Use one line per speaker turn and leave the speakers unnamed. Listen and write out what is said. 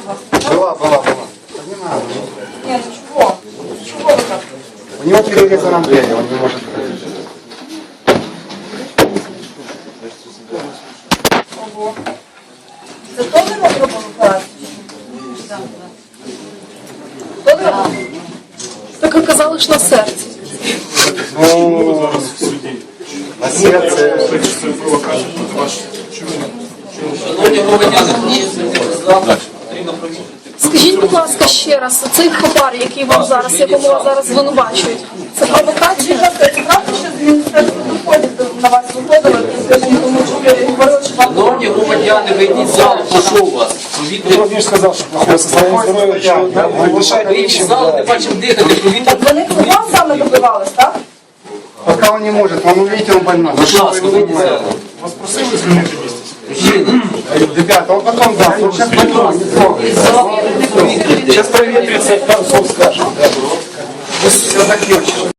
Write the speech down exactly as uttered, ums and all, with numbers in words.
вас?
Была, была, была. Не надо.
Нет, ну чего? Чего вы так?
У него перерезана дверь, он не может ходить.
Ого. Це теж ми зробили операцію? Так, так. Теж робили?
Так ви казали, що на серці.
Ну, на сердце.
Шановні громадяни, потрібно провірити.
Скажіть, будь ласка, ще раз, цей хабар, який вам зараз, якому вас зараз звинувачують, це провокація?
Це правда, що з Міністерства доходів на вас виходили, тому що ви говорили, що вам...
Шановні громадяни, вийдіть з залу, прошу вас. Провітрите.
Владимир сказал, что плохое состояние здоровья, что вы дышать
Вийдіть з залу, не бачимо дихати, провітрите.
Вони вам саме добивались, так?
Пока он не может, он, увидите, он больной.
Будь ласка, вийдіть з залу.
вас просили звільнити місце.
Мужчина,
Ребята, он потом даст, он сейчас больной, не трогайте.
вийдіть з залу, провітрите.
Сейчас проветрится, пару слов скажем.
Все закончилось.